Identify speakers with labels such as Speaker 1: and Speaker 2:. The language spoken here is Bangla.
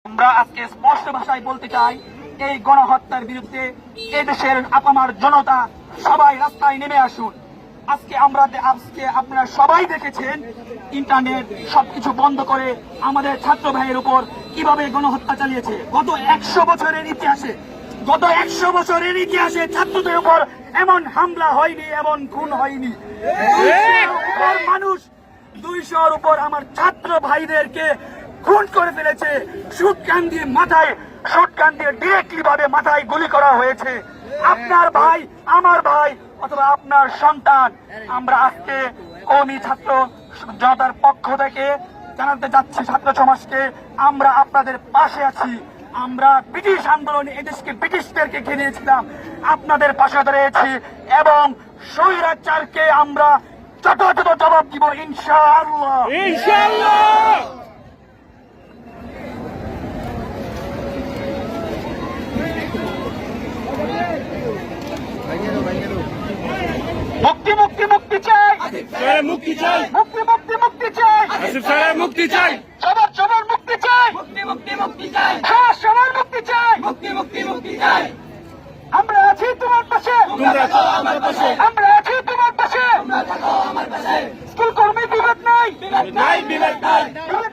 Speaker 1: আমরা আজকে স্পষ্ট ভাষায় বলতে চাই, এই গণহত্যার বিরুদ্ধে এদেশের আপামার জনতা সবাই রাস্তায় নেমে আসুন। আজকে আপনারা সবাই দেখেছেন ইন্টারনেট সবকিছু বন্ধ করে আমাদের ছাত্র ভাইয়ের উপর কিভাবে গণহত্যা চালিয়েছে। গত 100 বছরের ইতিহাসে ছাত্রদের উপর এমন হামলা হয়নি, এমন খুন হয়নি। 200-র উপর আমার ছাত্র ভাইদেরকে খুন করে ফেলেছে। শুটগান দিয়ে ডিরেক্টলি ভাবে মাথায় গুলি করা হয়েছে। আপনার ভাই, আমার ভাই অথবা আপনার সন্তান। আমরা আজকে কওমি ছাত্র জনতার পক্ষ থেকে জানাতে যাচ্ছি ছাত্র সমাজকে, আমরা আপনাদের পাশে আছি। আমরা ব্রিটিশ আন্দোলনে এদেশকে ব্রিটিশদেরকে ঘিরিয়েছিলাম, আপনাদের পাশে দাঁড়িয়েছি এবং স্বৈরাচারকে আমরা যথাযথ জবাব দিব ইনশাআল্লাহ। মুক্তি মুক্তি মুক্তি চাই, মুক্তি চাই, মুক্তি চাই, মুক্তি চাই, সবার মুক্তি চাই, মুক্তি চাই, সবার মুক্তি চাই, মুক্তি চাই। আমরা আছি তোমার পাশে, আমরা আছি তোমার পাশে। স্কুল কর্মী বিভেদ নাই, বিভেদ নাই।